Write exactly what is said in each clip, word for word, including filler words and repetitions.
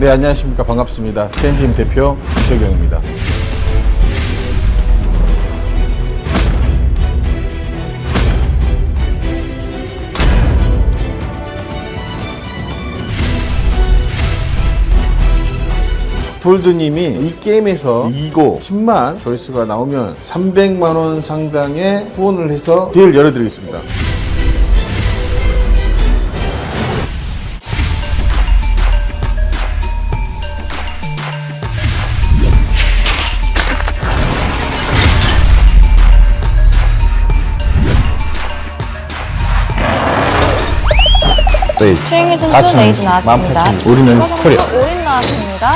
네, 안녕하십니까. 반갑습니다. 케이엠지엠 대표 이석영입니다. 폴드님이 이 게임에서 이고 십만 조회수가 나오면 삼백만 원 상당의 후원을 해서 딜 열어드리겠습니다. 최영희 선수 레이즈 나왔습니다. 올인원 스코리아. 올인 나왔습니다.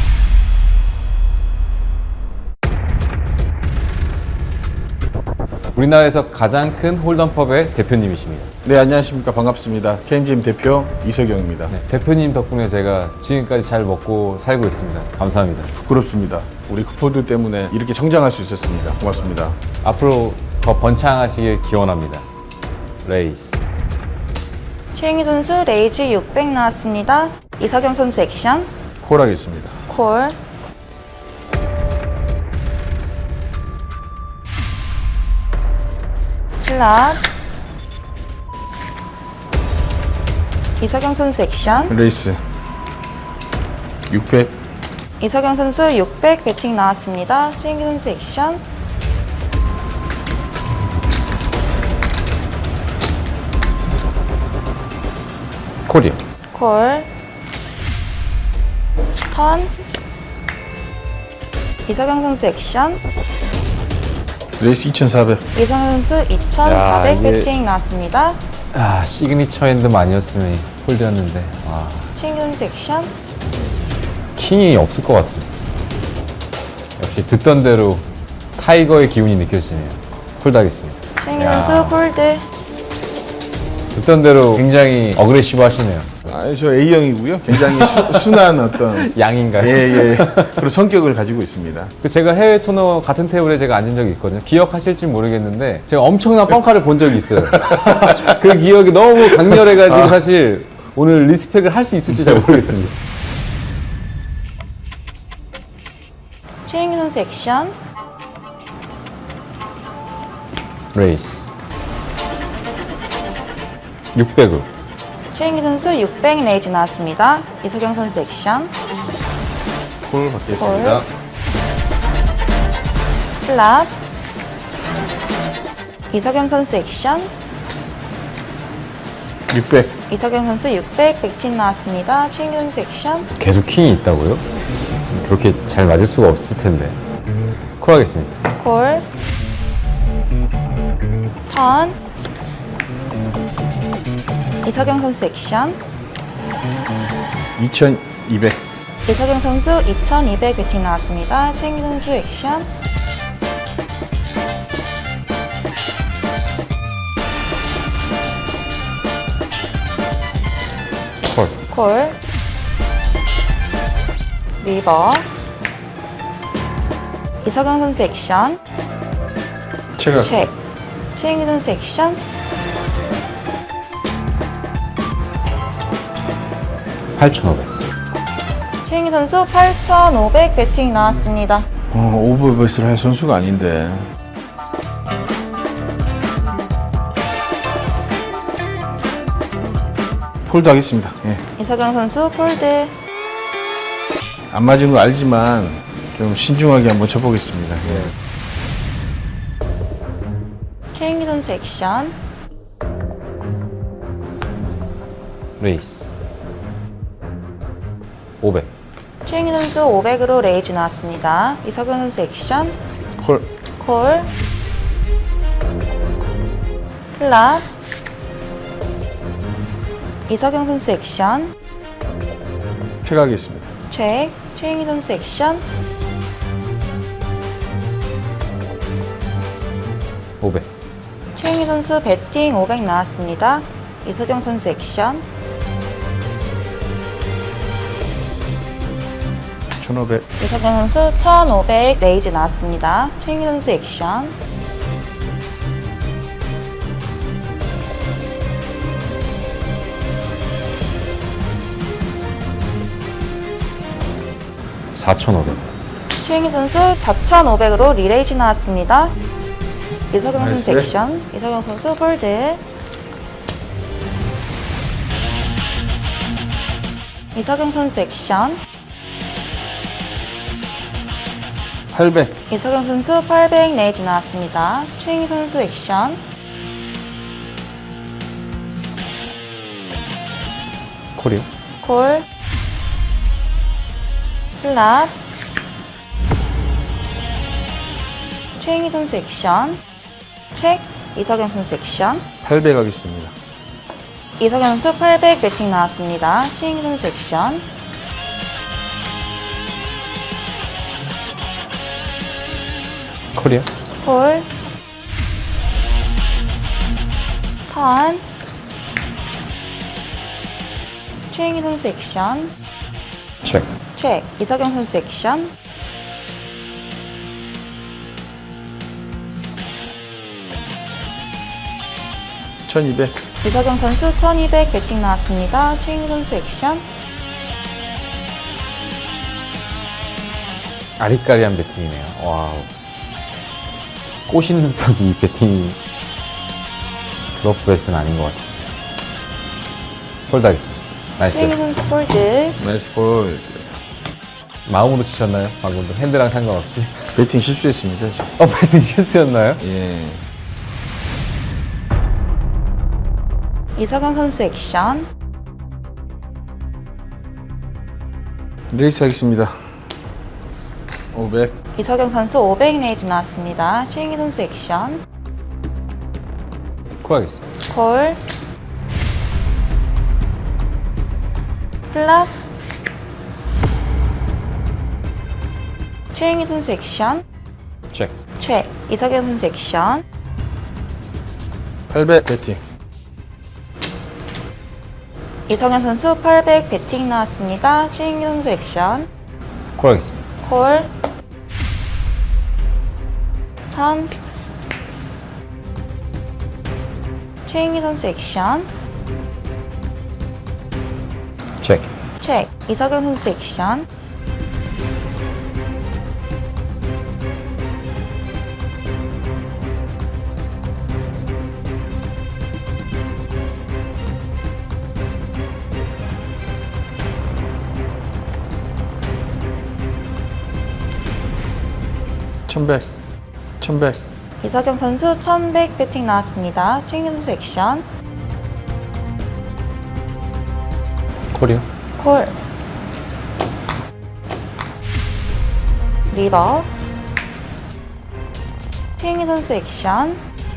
우리나라에서 가장 큰 홀덤펍의 대표님이십니다. 네, 안녕하십니까. 반갑습니다. 케이엠지엠 대표 이석영입니다. 네, 대표님 덕분에 제가 지금까지 잘 먹고 살고 있습니다. 감사합니다. 부럽습니다. 우리 폴드 때문에 이렇게 성장할 수 있었습니다. 고맙습니다. 앞으로 더 번창하시길 기원합니다. 레이스. 최영희 선수 레이즈 육백 나왔습니다. 이석영 선수 액션, 콜하겠습니다. 콜, 플랍, 이석영 선수 액션, 레이스 육백. 이석영 선수 육백 배팅 나왔습니다. 최영희 선수 액션, 콜이요. 콜, 턴, 이석영 선수 액션, 레이스 이천사백. 이석영 선수 이천사백 야, 이게- 배팅 나왔습니다. 아, 시그니처 핸드만 아니었으면 홀드였는데. 와, 최영희 선수 액션, 킹이 없을 것 같아요. 역시 듣던 대로 타이거의 기운이 느껴지네요. 홀드하겠습니다. 최영희 야. 선수 폴드, 듣던 대로 굉장히 어그레시브 하시네요. 아, 저 A형이고요. 굉장히 수, 순한 어떤 양인가요? 예, 예. 그런 성격을 가지고 있습니다. 그 제가 해외 토너 같은 테이블에 제가 앉은 적이 있거든요. 기억하실지 모르겠는데 제가 엄청난 뻥카를 본 적이 있어요. 그 기억이 너무 강렬해가지고 사실 오늘 리스펙을 할 수 있을지 잘 모르겠습니다. 최영희 선수 액션, 레이스 육백으로 최영희 선수 육백 레이즈 나왔습니다. 이석영 선수 액션, 콜 받겠습니다. 플랍, 이석영 선수 액션, 육백. 이석영 선수 육백 백팀 나왔습니다. 최영희 선수 액션, 계속 킹이 있다고요? 그렇게 잘 맞을 수가 없을 텐데. 콜하겠습니다. 콜, 턴, 이석영 선수 액션, 이천이백. 이석영 선수 이천이백 배팅 나왔습니다. 최영희 선수 액션, 콜. 콜, 리버, 이석영 선수 액션, 체가 책, 최영희 선수 액션, 팔천오백. 최영희 선수 팔천오백 배팅 나왔습니다. 어, 오버베이스를 할 선수가 아닌데. 폴드 하겠습니다. 예. 이석영 선수 폴드, 안 맞은 거 알지만 좀 신중하게 한번 쳐보겠습니다. 예. 최영희 선수 액션, 레이스 오백. 최영희 선수 오백으로 레이즈 나왔습니다. 이석영 선수 액션, 콜. 콜, 플랍, 이석영 선수 액션, 체가하겠습니다. 책, 최영희 선수 액션, 오백. 최영희 선수 배팅 오백 나왔습니다. 이석영 선수 액션, 천오백. 이석영 선수 천오백 레이즈 나왔습니다. 최영희 선수 액션, 사천오백. 최영희 선수 사천오백으로 리레이즈 나왔습니다. 이석영 선수 나이스. 액션. 이석영 선수 폴드. 이석영 선수 액션. 팔백. 이석영 선수 팔백 레이즈 나왔습니다. 최영희 선수 액션. 콜이요? 콜. 플랍. 최영희 선수 액션. 책. 이석영 선수 액션. 팔백 하겠습니다. 이석영 선수 팔백 배팅 나왔습니다. 최영희 선수 액션. 콜이요? 콜. 턴. 최영희 선수 액션. 체크. 책. 이석영 선수 액션. 천이백. 이석영 선수 천이백 배팅 나왔습니다. 최영희 선수 액션. 아리까리한 배팅이네요. 와우. 꼬시는 듯한 이 배팅이 블러프 베스트는 아닌 것 같아요. 폴드 하겠습니다. 나이스. 최영희 선수 폴드. 나이스 볼. 마음으로 치셨나요? 방금도 핸드랑 상관없이. 배팅 실수했습니다, 지금. 어, 배팅 실수였나요? 예. 이석영 선수 액션. 레이스 하겠습니다. 오백. 이석영 선수 오백 레이즈 나왔습니다. 최영희 선수 액션. 콜 하겠습니다. 콜. 플랍. 최영희 선수 액션. 체크. 최. 이석영 선수 액션. 팔백 배팅. 이석영 선수 팔백 배팅 나왔습니다. 최영희 선수 액션. 콜 하겠습니다. 콜. 턴. 최영희 선수 액션. 체크. 책. 이석영 선수 액션. 천백. 천백. 이석영 선수 천백 배팅 나왔습니다. 최영희 선수 액션. 콜이요? 콜. 리버. 최영희 선수 액션.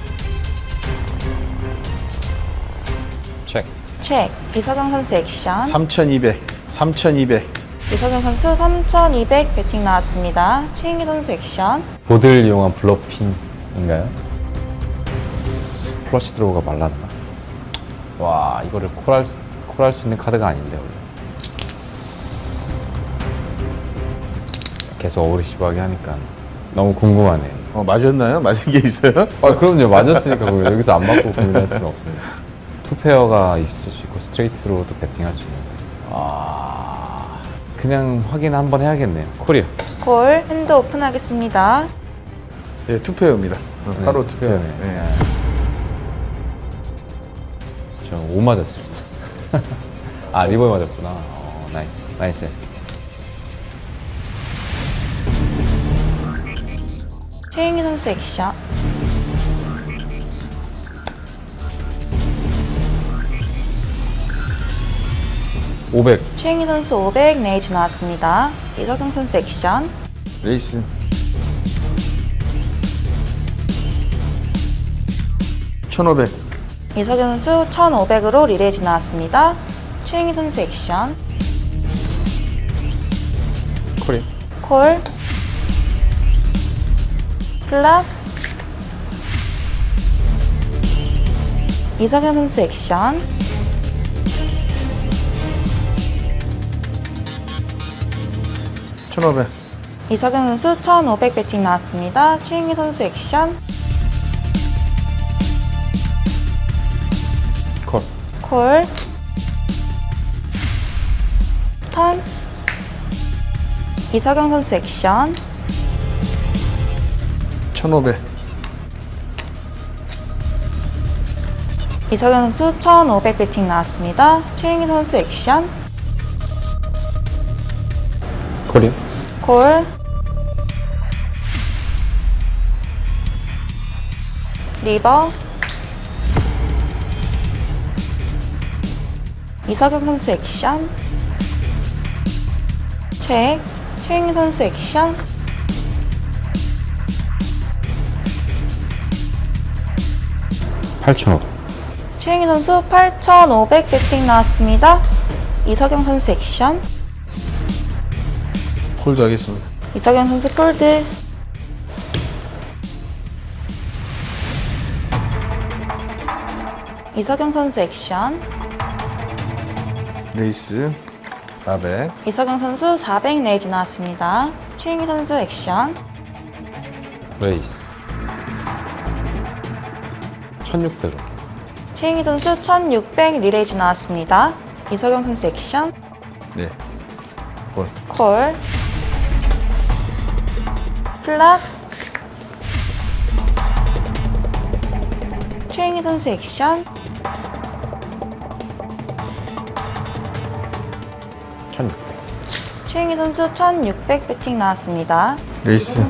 체크. 책. 이석영 선수 액션. 삼천이백. 삼천이백. 이석영 선수 삼천이백 배팅 나왔습니다. 최영희 선수 액션. 보드를 이용한 블러핑인가요? 플러시 드로우가 말랐나? 와, 이거를 콜할 수, 콜할 수 있는 카드가 아닌데 원래. 계속 어그리시브하게 하니까 너무 궁금하네요. 어, 맞았나요? 맞은 게 있어요? 아, 그럼요. 맞았으니까 그거 여기서 안 맞고 고민할 수는 없습니다. 투페어가 있을 수 있고 스트레이트 드로우도 배팅할 수 있는데. 아, 그냥 확인 한번 해야겠네요. 콜이요. 콜. 핸드 오픈하겠습니다. 예, 투페어입니다. 어, 네, 바로 투페어. 투페어네요. 예. 네. 저 오 맞았습니다. 아, 리버에 맞았구나. 어, 나이스. 나이스. 최영희 선수 액션. 오백. 최영희 선수 오백 레이즈 나왔습니다. 이석영 선수 액션. 레이스. 천오백. 이석영 선수 천오백으로 리레이즈 나왔습니다. 최영희 선수 액션. 콜이. 콜. 플랍. 이석영 선수 액션. 천오백. 이석영 선수 천오백 배팅 나왔습니다. 최영희 선수 액션. 콜. 콜. 턴. 이석영 선수 액션. 천오백. 이석영 선수 천오백 배팅 나왔습니다. 최영희 선수 액션. 콜이요? 콜. 리버. 이석영 선수 액션. 체크. 최영희 선수 액션. 팔천오백. 최영희 선수 팔천오백 배팅 나왔습니다. 이석영 선수 액션. 홀드 하겠습니다. 이석영 선수 폴드. 이석영 선수 액션. 레이스 사백. 이석영 선수 사백 레이즈 나왔습니다. 최영희 선수 액션. 레이스. 천육백 원. 최영희 선수 천육백 리레이즈 나왔습니다. 이석영 선수 액션. 네. 홀. 콜. 플랍. 최영희 선수 액션. 천육백. 최영희 선수 천육백 배팅 나왔습니다. 레이스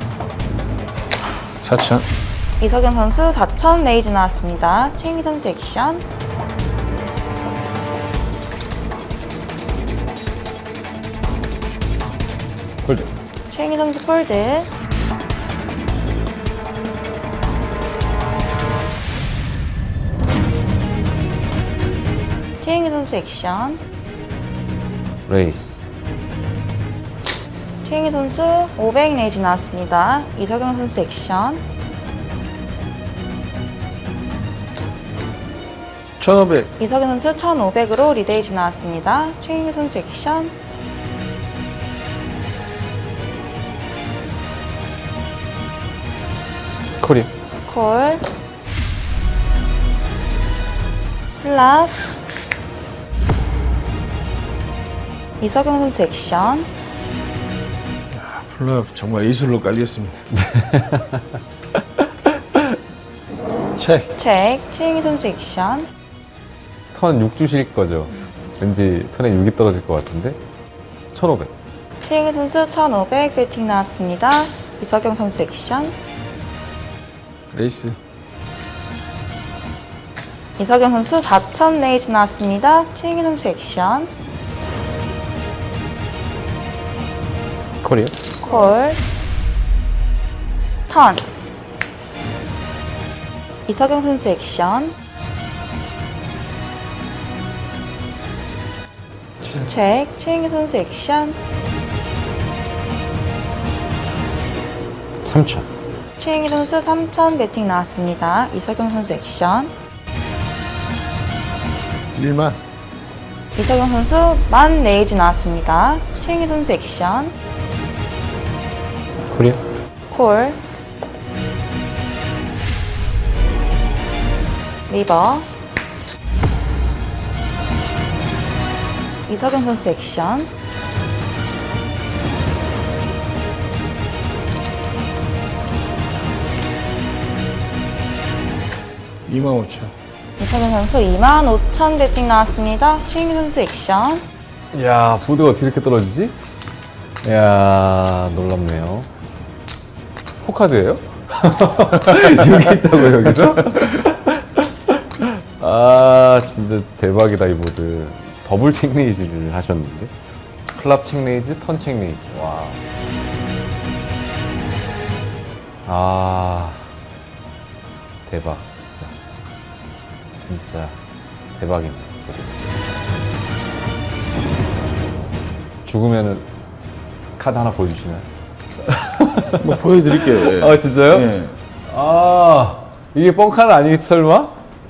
사천. 이석영 선수 사천 레이즈 나왔습니다. 최영희 선수 액션. 홀드. 최영희 선수 폴드. 최영희 선수 액션. 레이스. 최영희 선수 오백 레이즈 나왔습니다. 이석영 선수 액션. 천오백. 이석영 선수 천오백으로 리레이즈 나왔습니다. 최영희 선수 액션. 콜이요? 콜. 플랍. 이석영 선수 액션. 플랍 정말 예술로 깔렸습니다. 체크. 체크. 최영희 선수 액션. 턴 육 주실 거죠? 왠지 턴에 육이 떨어질 것 같은데? 천오백. 최영희 선수 천오백 배팅 나왔습니다. 이석영 선수 액션. 레이스 이석영 선수 사천 레이즈 나왔습니다. 최영희 선수 액션. 콜이요? 콜. 턴. 이석영 선수 액션. 체크. 최영희 선수 액션. 삼천. 최영희 선수 삼천 배팅 나왔습니다. 이석영 선수 액션. 일만. 이석영 선수 만 레이즈 나왔습니다. 최영희 선수 액션. 콜이요? 콜. 리버. 이석영 선수 액션. 이만 오천. 이석영 선수 이만 오천 배팅 나왔습니다. 최영희 선수 액션. 이야, 보드가 어떻게 이렇게 떨어지지? 이야, 놀랍네요. 포카드예요? 여기 있다고 여기서? 아, 진짜 대박이다 이 보드. 더블 책레이즈를 하셨는데. 플랍 책레이즈, 턴 책레이즈. 와. 아, 대박 진짜. 진짜 대박이네. 죽으면은 카드 하나 보여주시나요? 뭐 보여드릴게요. 예. 아 진짜요? 예. 아 이게 뻥카는 아니겠지 설마?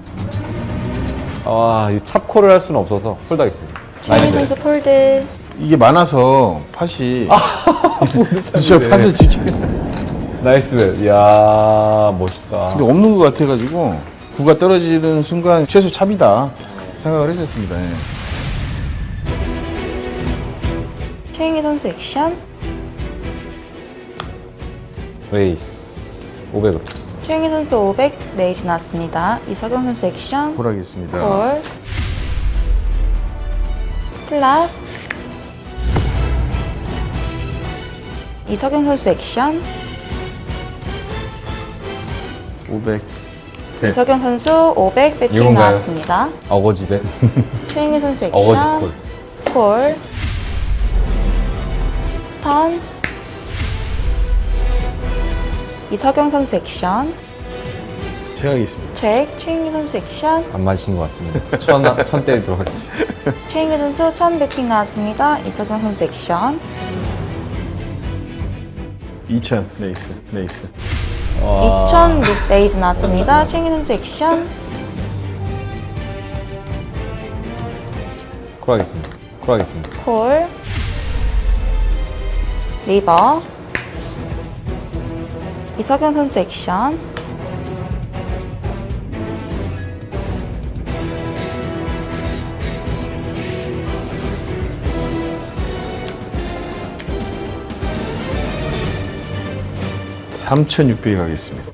아, 이 찹콜을 할 수는 없어서 폴드하겠습니다. 최영희 선수 폴드. 이게 많아서 팥이 저 네. 팥을 지키. 나이스 웹. 이야 멋있다. 근데 없는 것 같아가지고 구가 떨어지는 순간 최소 찹이다 생각을 했었습니다. 예. 최영희 선수 액션. 레이스 오백으로. 최영희 선수 오백, 레이즈 나왔습니다. 이석영 선수 액션, 콜하겠습니다. 콜, 플랍, 이석영 선수 액션, 오백. 백. 이석영 선수 오백, 배팅 이건가요? 나왔습니다. 어거지bet. 최영희 선수 어거지 액션, 콜. 콜, 턴, 이석영 선수 액션, 제가 하겠습니다. 책, 최영희 선수 액션, 안 맞으신 것 같습니다. 천, 천 때리도록 하겠습니다. 최영희 선수 천 배팅 나왔습니다. 이석영 선수 액션, 이천. 레이스. 레이스. 이천 레이즈 나왔습니다. 최영희 선수 액션, 콜하겠습니다. 콜하겠습니다. 콜, 리버, 이석영 선수 액션, 삼천육백 가겠습니다.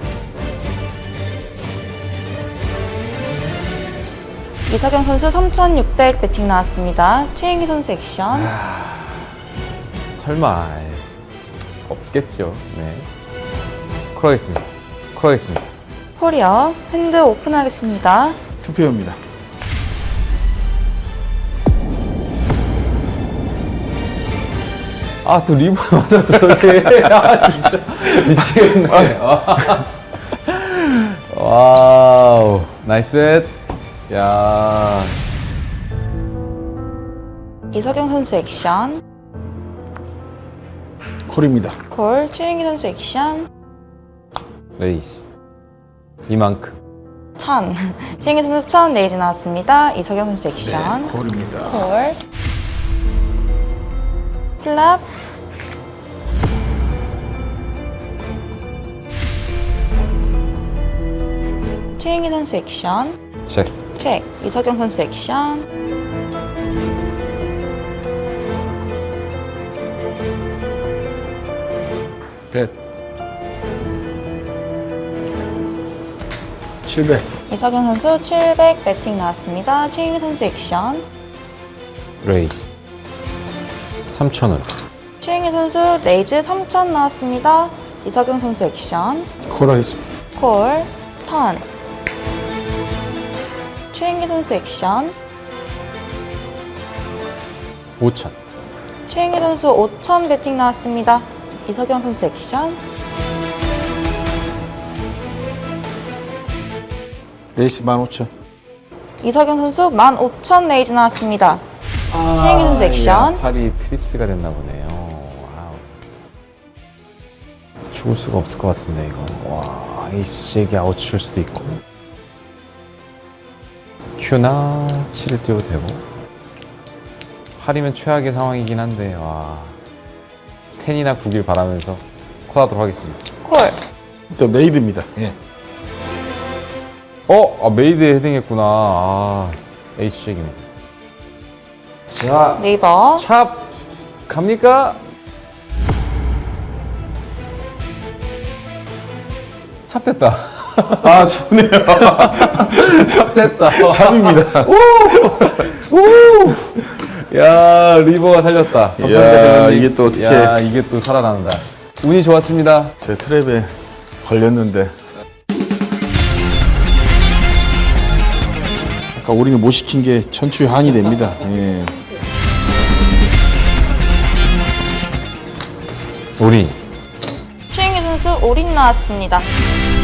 이석영 선수 삼천육백 배팅 나왔습니다. 최영희 선수 액션, 설마 에이, 없겠죠. 네. 콜하겠습니다. 콜하겠습니다. 콜이요. 핸드 오픈하겠습니다. 투표입니다. 아, 또 리버에 맞았어, 저게. 아, 진짜. 미치겠네. 아. 와우. 나이스 뱃. 야. 이석영 선수 액션, 콜입니다. 콜, 최영희 선수 액션, 레이스. 이만큼. 천. 최영희 선수 천 레이즈 나왔습니다. 이석영 선수 네, 액션, 콜입니다. 콜, 플랍, 최영희 선수 액션, 체크. 책, 이석영 선수 액션, 백. 칠백. 이석영 선수 칠백 배팅 나왔습니다. 최영희 선수 액션, 레이스. 삼천원. 최영희 선수 레이즈 삼천 나왔습니다. 이석영 선수 액션, 콜하겠습니다. 콜, 턴, 최영희 선수 액션, 오천. 최영희 선수 오천 배팅 나왔습니다. 이석영 선수 액션, 레이스 만 오천. 이석영 선수 만 오천 레이즈 나왔습니다. 최영희 선수 액션, 팔이 트립스가 됐나 보네요. 와우. 죽을 수가 없을 것 같은데, 이거. 와, 에이스 잭이 아웃 칠 수도 있고. 큐나 칠을 띄워도 되고. 팔이면 최악의 상황이긴 한데, 와. 텐이나 구길 바라면서 콜하도록 하겠습니다. 콜, 또 메이드입니다. 예. 어? 아, 메이드에 헤딩했구나. 아, 에이스 잭이네. 자, 네이버, 찹! 갑니까? 찹 됐다. 아, 좋네요. 찹 됐다. 참입니다. 오! 야, 리버가 살렸다. 감사합니다, 야, 대표님. 이게 또 어떻게- 야, 이게 또 살아난다. 운이 좋았습니다. 제 트랩에 걸렸는데. 아까 우리는 못 시킨 게 천추의 한이 됩니다. 예. 우리 최영희 선수 올인 나왔습니다.